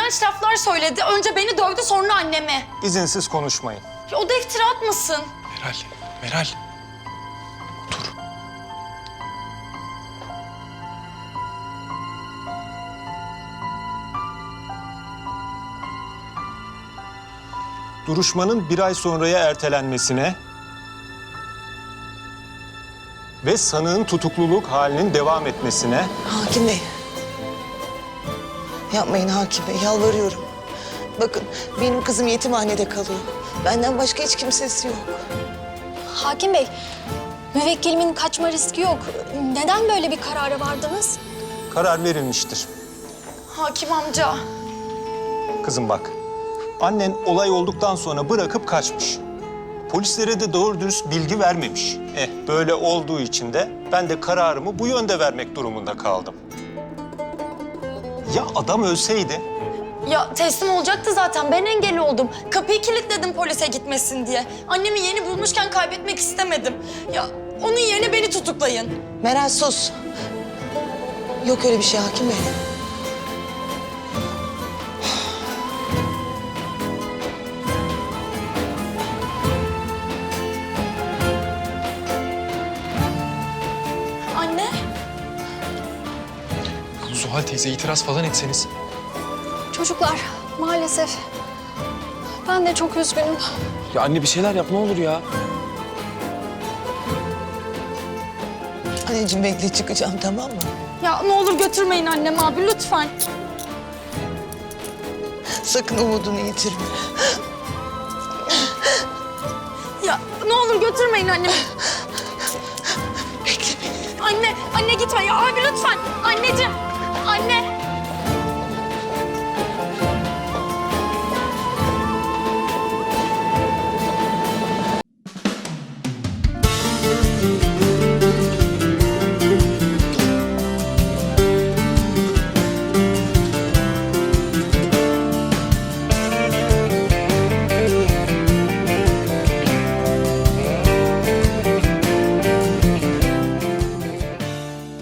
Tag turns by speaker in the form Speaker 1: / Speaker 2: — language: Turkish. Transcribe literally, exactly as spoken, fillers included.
Speaker 1: iğrenç laflar söyledi. Önce beni dövdü, sonra annemi.
Speaker 2: İzinsiz konuşmayın.
Speaker 1: Ya o da iftira atmasın.
Speaker 3: Meral, Meral. Otur.
Speaker 2: Duruşmanın bir ay sonraya ertelenmesine ve sanığın tutukluluk halinin devam etmesine...
Speaker 4: Hakim Bey. Yapmayın Hakim Bey, yalvarıyorum. Bakın, benim kızım yetimhanede kalıyor. Benden başka hiç kimsesi yok.
Speaker 5: Hakim Bey, müvekkilimin kaçma riski yok. Neden böyle bir karara vardınız?
Speaker 2: Karar verilmiştir.
Speaker 1: Hakim amca.
Speaker 2: Kızım bak, annen olay olduktan sonra bırakıp kaçmış. Polislere de doğru dürüst bilgi vermemiş. Eh, böyle olduğu için de ben de kararımı bu yönde vermek durumunda kaldım. Ya adam ölseydi?
Speaker 1: Ya teslim olacaktı zaten. Ben engel oldum. Kapıyı kilitledim polise gitmesin diye. Annemi yeni bulmuşken kaybetmek istemedim. Ya onun yerine beni tutuklayın.
Speaker 4: Meral sus. Yok öyle bir şey Hakim Bey.
Speaker 1: Anne.
Speaker 3: Zuhal teyze itiraz falan etseniz.
Speaker 5: Çocuklar, maalesef ben de çok üzgünüm.
Speaker 6: Ya anne bir şeyler yap ne olur ya.
Speaker 4: Anneciğim bekle, çıkacağım, tamam mı?
Speaker 1: Ya ne olur götürmeyin annemi abi lütfen.
Speaker 4: Sakın umudunu yitirme.
Speaker 1: Ya ne olur götürmeyin annemi.
Speaker 4: Bekle beni.
Speaker 1: Anne, anne gitme ya abi lütfen. Anneciğim.